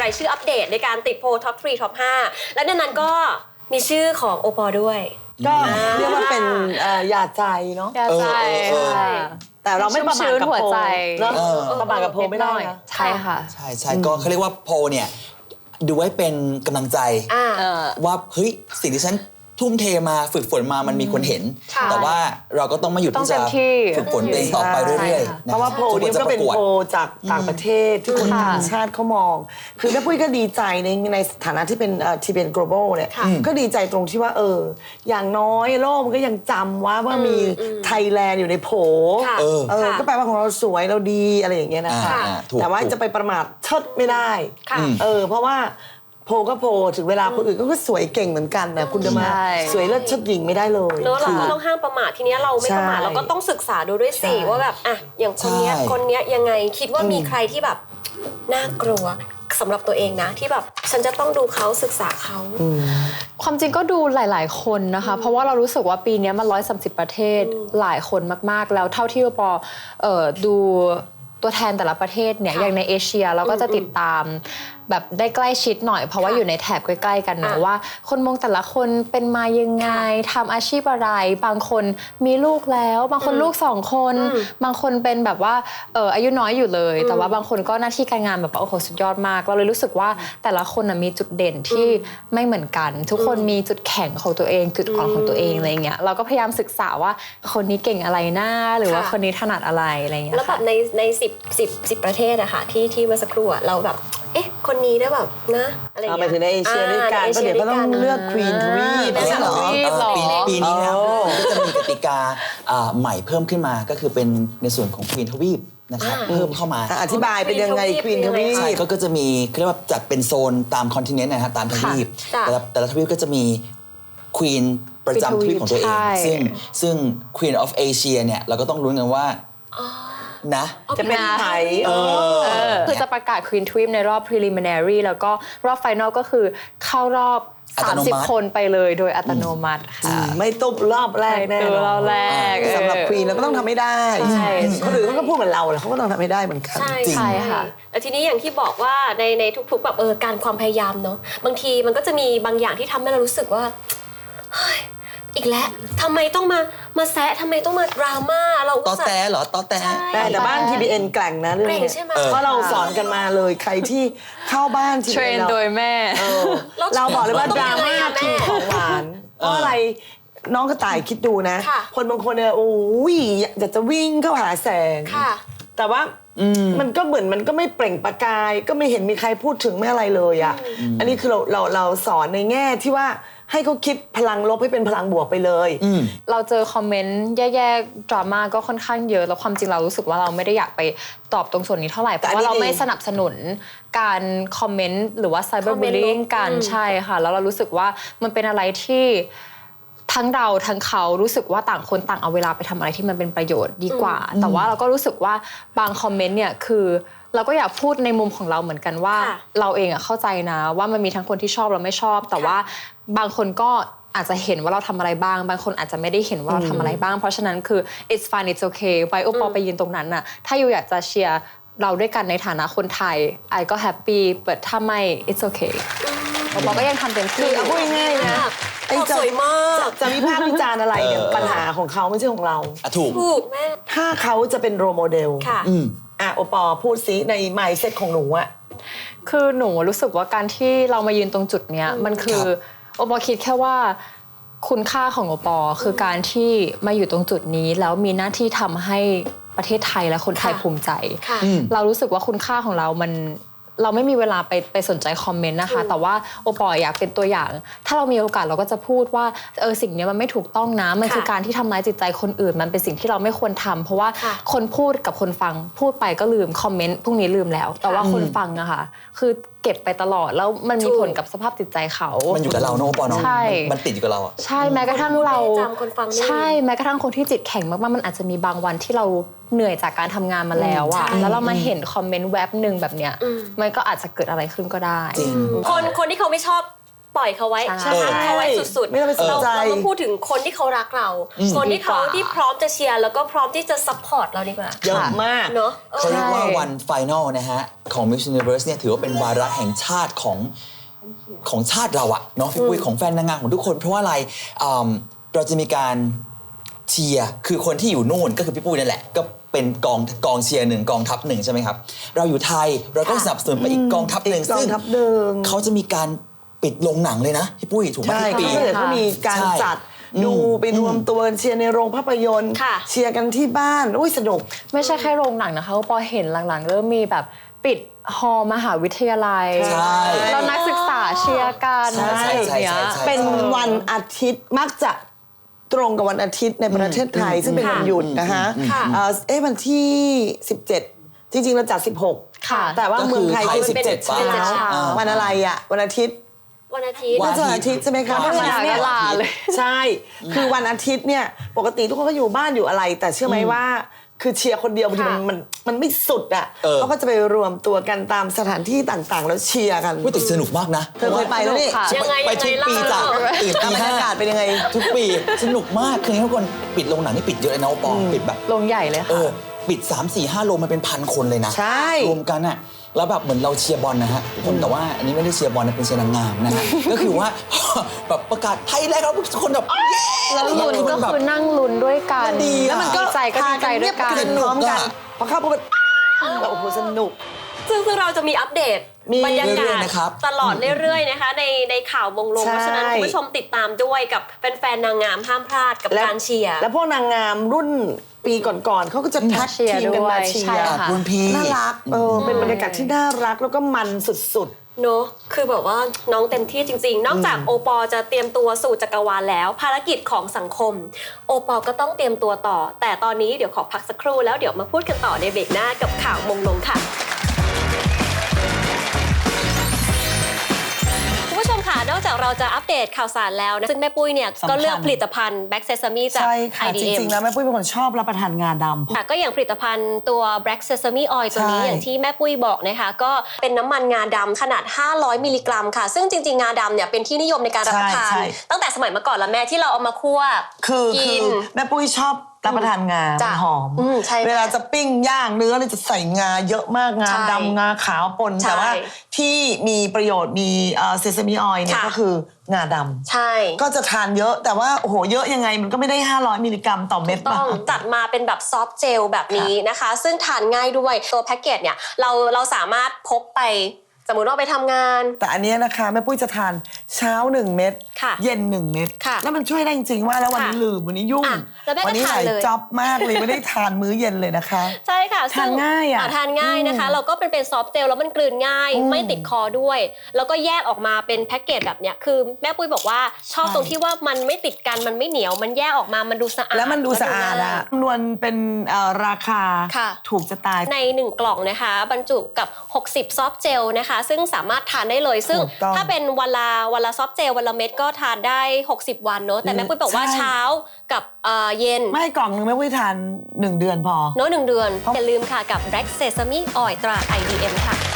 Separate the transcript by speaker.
Speaker 1: รายชื่ออัปเดตในการติดโพลท็อป3ท็อป5และในนั้นก็มีชื่อของโอปอด้วย
Speaker 2: ก็เรียกว่าเป็นหยาดใจเนาะ
Speaker 3: หยาดใจ
Speaker 2: แต่เราไม่ประมาทกับโพลเนาะประมาทกับโพลไม่ได้นะ
Speaker 3: ใช่ค่ะ
Speaker 4: ใช่ก็เขาเรียกว่าโพลเนี่ยดูไว้เป็นกำลังใจว่าเฮ้ยสิ่งที่ฉันทุ่มเทมาฝึกฝนมามันมีคนเห็นแต่ว่าเราก็ต้องมาหยุดที่จะฝึกฝนตัวเองต่อไปเรื่อยๆ
Speaker 2: เพราะว่าโพลนี้ก็เป็นโพลจากต่างประเทศที่คนต่างชาติเขามองคือแม่ปุ้ยก็ดีใจในฐานะที่เป็นทีเป็น global เนี่ยก็ดีใจตรงที่ว่าอย่างน้อยโลกมันก็ยังจำว่ามีไทยแลนด์อยู่ในโผก็แปลว่าของเราสวยเราดีอะไรอย่างเงี้ยนะคะแต่ว่าจะไปประมาทเชิดไม่ได้เพราะว่าโพก็โพถึงเวลาคนอื่นก็สวยเก่งเหมือนกันนะคุณจะมาสวยเลิศเชิดหญิงไม่ได้เลย
Speaker 1: เนอะเราก็ต้องห้ามประมาททีนี้เราไม่ประมาทเราก็ต้องศึกษาดูด้วยสิว่าแบบอย่างคนเนี้ยยังไงคิดว่ามีใครที่แบบน่ากลัวสำหรับตัวเองนะที่แบบฉันจะต้องดูเขาศึกษาเขา
Speaker 3: ความจริงก็ดูหลายๆคนนะคะเพราะว่าเรารู้สึกว่าปีนี้มัน130ประเทศหลายคนมากๆแล้วเท่าที่ปอดูตัวแทนแต่ละประเทศเนี่ยอย่างในเอเชียเราก็จะติดตามแบบได้ใกล้ชิดหน่อยเพราะว่าอยู่ในแถบใกล้ๆกันเนอะว่าคนมงแต่ละคนเป็นมายังไงทำอาชีพอะไรบางคนมีลูกแล้วบางคนลูก2คนบางคนเป็นแบบว่าอายุน้อยอยู่เลยแต่ว่าบางคนก็หน้าที่การงานแบบโอ้โหสุดยอดมากเราเลยรู้สึกว่าแต่ละคนมีจุดเด่นที่ไม่เหมือนกันทุกคนมีจุดแข็งของตัวเองจุดอ่อนของตัวเองอะไรเงี้ยเราก็พยายามศึกษาว่าคนนี้เก่งอะไรนะหรือว่าคนนี้ถนัดอะไรอะไรเงี้ย
Speaker 1: แล้วแบบใน10ประเทศอะค่ะที่เมื่อสักครู่เราแบบคนนี้ได้แบบนะอะไรอย่างเงี้ย
Speaker 2: ไปถึงในเอเชียด้วยกันก็เดี๋ยวก็ต้องเลือกควีนทวีป
Speaker 4: ปีนี้นะก็จะมีกติกาใหม่เพิ่มขึ้นมาก็คือเป็นในส่วนของควีนทวีปนะครับเพิ่มเข้ามา
Speaker 2: อธิบายเป็นยังไงควีนทวีป
Speaker 4: ใช่ก็จะมีเรียกว่าจัดเป็นโซนตามคอนติเนนต์นะครับตามทวีปแต่ละทวีปก็จะมีควีนประจำทวีปของตัวเองซึ่ง Queen of Asia เนี่ยเราก็ต้องลุ้นกันว่านะ
Speaker 2: จะเป็นใคร
Speaker 3: คือจะประกาศ Queen Twin ในรอบ preliminary แล้วก็รอบ final ก็คือเข้ารอบ30คนไปเลยโดยอัตโนมัติค่ะ
Speaker 2: ไม่ตุบรอบแรกแน่
Speaker 3: รอบแรก
Speaker 2: สำหรับ Queen เราก็ต้องทำให้ได้คนอื่นเขาก็พูดเหมือนเราเขาก็ต้องทำให้ได้เหมือนกัน
Speaker 1: ใช่ค่ะแต่ทีนี้อย่างที่บอกว่าในทุกๆแบบการความพยายามเนาะบางทีมันก็จะมีบางอย่างที่ทำให้เรารู้สึกว่าอีกแล้วทำไมต้องมาแซะทำไมต้องมาดราม่าเรา
Speaker 4: ต่อแต่เหรอต่อ
Speaker 2: แต่บ้าน TBN แกร่งนะเรื่องนี้เพราะเราสอนกันมาเลยใครที่เข้าบ้าน
Speaker 3: เทรนโดยแม่
Speaker 2: เราบอกเลยว่าดราม่าคือของหวานเพราะอะไรน้องกระต่ายคิดดูนะคนบางคนเนี่ยโอ้ยอยากจะวิ่งเข้าหาแสงแต่ว่ามันก็เหมือนมันก็ไม่เปล่งประกายก็ไม่เห็นมีใครพูดถึงไม่อะไรเลยอ่ะอันนี้คือเราสอนในแง่ที่ว่าให้เขาคิดพลังลบให้เป็นพลังบวกไปเลย
Speaker 3: เราเจอคอมเมนต์แย่ๆดราม่าก็ค่อนข้างเยอะแล้วความจริงเรารู้สึกว่าเราไม่ได้อยากไปตอบตรงส่วนนี้เท่าไหร่เพราะว่าเราไม่สนับสนุนการคอมเมนต์หรือว่าไซเบอร์บูลลิงกันใช่ค่ะแล้วเรารู้สึกว่ามันเป็นอะไรที่ทั้งเราทั้งเขารู้สึกว่าต่างคนต่างเอาเวลาไปทำอะไรที่มันเป็นประโยชน์ดีกว่าแต่ว่าเราก็รู้สึกว่าบางคอมเมนต์เนี่ยคือเราก็อยากพูดในมุมของเราเหมือนกันว่าเราเองเข้าใจนะว่ามันมีทั้งคนที่ชอบและไม่ชอบแต่ว่าบางคนก็อาจจะเห็นว่าเราทำอะไรบ้างบางคนอาจจะไม่ได้เห็นว่าเราทำอะไรบ้างเพราะฉะนั้นคือ it's fine it's okay ไปโอปอไปยืนตรงนั้นน่ะถ้าอยู่อยากจะเชียร์เราด้วยกันในฐานะคนไทยไอก็แฮปปี้แต่ถ้าไม่ it's okay โอปอก็ยังทำเต็มที่
Speaker 2: เอาพูดง่ายๆนะ
Speaker 1: ไอ้สวยมาก
Speaker 2: จะวิพากษ์วิจารณ์อะไรเนี่ยปัญหาของเขาไม่ใช่ของเรา
Speaker 4: ถูก
Speaker 1: แม่
Speaker 2: ถ้าเขาจะเป็นโรโมเดลโอปอพูดซิใน mindset ของหนูอะ
Speaker 3: คือหนูรู้สึกว่าการที่เรามายืนตรงจุดเนี้ยมันคือโอปอคิดแค่ว่าคุณค่าของโอปอคือการที่มาอยู่ตรงจุดนี้แล้วมีหน้าที่ทำให้ประเทศไทยและคนไทยภูมิใจเรารู้สึกว่าคุณค่าของเราเราไม่มีเวลาไปสนใจคอมเมนต์นะคะแต่ว่าโอปออยากเป็นตัวอย่างถ้าเรามีโอกาสเราก็จะพูดว่าสิ่งนี้มันไม่ถูกต้องนะมันคือการที่ทำร้ายจิตใจคนอื่นมันเป็นสิ่งที่เราไม่ควรทำเพราะว่าคนพูดกับคนฟังพูดไปก็ลืมคอมเมนต์พวกนี้ลืมแล้วแต่ว่าคนฟังอะค่ะคือเก็บไปตลอดแล้วมันมีผลกับสภาพจิตใจเขา
Speaker 4: มันอยู่กับเราเนาะโอปอเนาะมันติดอยู่กับเราอะ
Speaker 3: ใช่แม้กระทั่งเราใช่แม้กระทั่งคนที่จิตแข็งมากๆมันอาจจะมีบางวันที่เราเหนื่อยจากการทำงานมาแล้วอะแล้วเรามาเห็นคอมเมนต์แวบนึงแบบเนี้ยมันก็อาจจะเกิดอะไรขึ้นก็ได้
Speaker 1: คนที่เขาไม่ชอบปล่อยเขาไว้
Speaker 3: ใช่
Speaker 1: พักเขาไว้สุดๆ
Speaker 2: ไม่ต้องไปสนใจ
Speaker 1: เรามาพูดถึงคนที่เขารักเรา คนที่เขาที่พร้อมจะเชียร์แล้วก็พร้อมที่จะซัพพอร์ตเราดีกว่า
Speaker 2: เยอะมาก
Speaker 1: เนอะ
Speaker 4: เขาเรียกว่าวันไฟนอลนะฮะ ของ Miss Universe เนี่ยถือว่าเป็นวาระแห่งชาติของชาติเราอะเนาะพี่ปุ้ยของแฟนนางงามของทุกคน เพราะว่าอะไรเราจะมีการเชียร์คือคนที่อยู่นู่นก็คือพี่ปุ้ยนั่นแหละ ก็เป็นกองเชียร์หนึ่งกองทัพหนึ่งใช่ไหมครับ เราอยู่ไทยเราก็สนับสนุนไปอีกกองทัพหนึ่ง
Speaker 2: กองทัพหนึ่ง
Speaker 4: เขาจะมีการปิดโรงหนังเลยนะพี่ปุ้ยถูกไหม
Speaker 2: ใช่
Speaker 4: ทุกปี
Speaker 2: เขามีการ
Speaker 4: ใช่
Speaker 2: จัดดูไปรวมตัวกันเชียร์ในโรงภาพยนตร์
Speaker 1: ค่ะ
Speaker 2: เชียร์กันที่บ้านอุ้ยสนุก
Speaker 3: ไม่ใช่แค่โรงหนังนะคะพอเห็นหลังๆ เริ่มมีแบบปิดฮอลล์มหาวิทยาลัย
Speaker 4: ใช่
Speaker 3: แล้วนักศึกษาเชียร์กัน
Speaker 4: ใช่
Speaker 3: อะไรอย่างเงี้ย
Speaker 4: ใช่
Speaker 2: เป็นวันอาทิตย์มักจะตรงกับวันอาทิตย์ในประเทศไทย ซึ่งเป็นวันหยุดนะคะ
Speaker 1: ค่ะ
Speaker 2: วันที่ 17 จริงๆเราจัด 16
Speaker 3: ค่ะ
Speaker 2: แต่ว่าเมืองไทยคือ
Speaker 4: ก็คือ
Speaker 2: 17 เช้า
Speaker 1: 17 เช้า
Speaker 2: วันอะไรอ่ะวันอาทิตย์
Speaker 1: วันอาทิตย์
Speaker 2: น่าจะวันอาทิตย์ใช่ไหมคะ
Speaker 4: วันอาทิตย์
Speaker 2: เพราะฉะนั้นเนี่ย
Speaker 3: ลาเลย
Speaker 2: ใช่ คือวันอาทิตย์เนี่ยปกติทุกคนก็อยู่บ้านอยู่อะไร แต่เชื่อไหมว่าคือเชียร์คนเดียวบางทีมันไม่สุดอ่ะเขาก็จะไปรวมตัวกันตามสถานที่ต่างๆ แล้วเชียร์กัน
Speaker 4: พูดแต่สนุกมากนะ
Speaker 2: เธอเคยไปแล้วนี่
Speaker 3: ค่ะ
Speaker 1: ยังไง
Speaker 4: ไปทุกปี
Speaker 1: ยังไง
Speaker 4: จ้ะ
Speaker 1: เล่า
Speaker 4: ตื่นตี
Speaker 2: บรร
Speaker 4: ห้าย
Speaker 2: ากาศเป็นยังไง
Speaker 4: ทุกปีสนุกมากคือทุกคนปิดโรงหนังนี่ปิดเยอะเลยนะปองปิดแบบ
Speaker 3: โรงใหญ่เลยค่ะ
Speaker 4: ปิด 3-4-5 โรงมันเป็นพันคนเลยนะ
Speaker 2: ใช่
Speaker 4: รวมกันอะแล้วแบบเหมือนเราเชียร์บอลนะฮะทุกคนแต่ว่าอันนี้ไม่ได้เชียร์บอลนะเป็นเชียร์นางงามนะฮะ ก็คือว่า แบบประกาศไทยแลนด์ครับทุกคนแบบเย้
Speaker 3: แล้วลุ้นก็คือนั่งลุ้นด้วยกัน
Speaker 4: มันดีอะ
Speaker 2: แล้วมันก็
Speaker 3: ดีใจก็ดีใจด้วยกัน
Speaker 2: พาเงีบพร้อมกันพอเข้าปุ๊บโอ้โหสนุก
Speaker 1: ซึ่งเราจะมีอัปเดต
Speaker 2: มี
Speaker 1: บรรยา
Speaker 4: เรื่
Speaker 1: กา
Speaker 4: อย
Speaker 1: ศ
Speaker 4: ๆนะครับ
Speaker 1: ตลอดเรื่อยๆนะคะในข่าววงลง
Speaker 2: ใช่
Speaker 1: เพราะฉะนั้นคุณผู้ชมติดตามด้วยกับแฟนๆนางงามห้ามพลาดกับการเชียร์
Speaker 2: แล้วพวกนางงามรุ่นปีก่อนๆเขาก็จะแท็ก
Speaker 3: เชียร์
Speaker 2: ทีมกันมา
Speaker 3: ด้วย
Speaker 2: เชีย
Speaker 3: ใช่
Speaker 2: ร์
Speaker 3: ค่ะ
Speaker 4: รุ่นพี่
Speaker 2: น่ารักเป็นบรรยากาศที่น่ารักแล้วก็มันสุด
Speaker 1: เนอะคือแบบว่าน้องเต็มที่จริงๆ นอกจากโอปอจะเตรียมตัวสู่จักรวาลแล้ว ภารกิจของสังคม โอปอก็ต้องเตรียมตัวต่อ แต่ตอนนี้เดี๋ยวขอพักสักครู่แล้วเดี๋ยวมาพูดกันต่อในเบรกหน้ากับข่าวมงลงค่ะ คุณผู้ชมค่ะ นอกจากเราจะอัปเดตข่าวสารแล้วนะซึ่งแม่ปุ้ยเนี่ย
Speaker 2: สำคัญ
Speaker 1: ก็เลือกผลิตภัณฑ์ Black Sesame
Speaker 2: ๆ
Speaker 1: จาก
Speaker 2: ใช่ค่ะ จ
Speaker 1: IDM
Speaker 2: ริงๆแล้วแม่ปุ้ยเป็นคนชอบรับประทานงาดำ
Speaker 1: ค่ะก็อย่างผลิตภัณฑ์ตัว Black Sesame Oil ตัวนี้
Speaker 2: ใช่
Speaker 1: อย่างที่แม่ปุ้ยบอกนะคะก็เป็นน้ำมันงาดำขนาด 500 มิลลิกรัมค่ะ ซึ่งจริงๆ งาดำเนี่ยเป็นที่นิยมในการรับประทาน
Speaker 2: ใช่
Speaker 1: ตั้งแต่สมัยเมื่อก่อนแล้วแม่ที่เราเอามาคั่ว
Speaker 2: คือ
Speaker 1: กิน
Speaker 2: แม่ปุ้ยชอบรับประทานงา
Speaker 1: จ้ะ
Speaker 2: หอม
Speaker 1: ใช่
Speaker 2: เวลาจะปิ้งย่างเนื้อเนี่ยจะใส่งาเยอะมากงา
Speaker 1: ใช่
Speaker 2: ดำงาขาวปน
Speaker 1: ใช่
Speaker 2: แต่ว่าที่มีประโยชน์มีเซซามิออยล์เนี่ย
Speaker 1: ค่ะ
Speaker 2: ก็คืองาดำ
Speaker 1: ใช่
Speaker 2: ก็จะทานเยอะแต่ว่าโอ้โหเยอะยังไงมันก็ไม่ได้ 500 มิลลิกรัมต่อเม็ด
Speaker 1: ต้อง
Speaker 2: ป่ะ
Speaker 1: จัดมาเป็นแบบซอฟต์เจลแบบนี้นะคะ ซึ่งทานง่ายด้วยตัวแพ็กเกจเนี่ยเราสามารถพกไปสมมุติว่าไปทำงาน
Speaker 2: แต่อันเนี้ยนะคะแม่ปุ้ยจะทานเช้า1 เม็ด
Speaker 1: ค่ะ
Speaker 2: เย็น1 เม็ด
Speaker 1: ค่ะ
Speaker 2: แล้วมันช่วยได้จริงๆว่าแล้ววันนี้
Speaker 1: ค่ะ
Speaker 2: ลืมวันนี้ยุ่ง
Speaker 1: อ่ะแล้วแม่ก็
Speaker 2: วันี้ห
Speaker 1: ทาน
Speaker 2: ลาย
Speaker 1: เลย
Speaker 2: จ็อบมากเลยไม่ได้ทานมื้อเย็นเลยนะคะ
Speaker 1: ใช่ค่ะ
Speaker 2: ทานง่ายอะ
Speaker 1: ทานง่ายนะคะ เราก็เป็นซอฟต์เจลแล้วมันกลืนง่าย ไม่ติดคอด้วย แล้วก็แยกออกมาเป็นแพ็กเกจแบบเนี้ยคือแม่ปุ้ยบอกว่าชอบตรงที่ว่ามันไม่ติดกันมันไม่เหนียวมันแยกออกมามันดูสะอาด
Speaker 2: แล้วมันดูสะอาดอะคำนวณเป็นราคา
Speaker 1: ค่ะ
Speaker 2: ถูกจะตาย
Speaker 1: ใน 1 กล่องนะคะบรรจุกับ 60 ซอฟต์เจลนะคะ ซึ่งสามารถทานได้เลย ซึ่ง
Speaker 2: ถูกต้อง
Speaker 1: ถ้าเป็นวันละซอฟต์เจลวันละเม็ดก็ทานได้ 60 วันเนอะแต่แม่ปุ้ยบอกว่า
Speaker 2: ใช่
Speaker 1: เช้ากับเย็น
Speaker 2: ไม่กล่องนึงแม่ปุ้ยทาน1 เดือนพอ
Speaker 1: เนอะ1 เดือนอย่าลืมค่ะกับ Black Sesame Oil ตรา IDM ค่ะ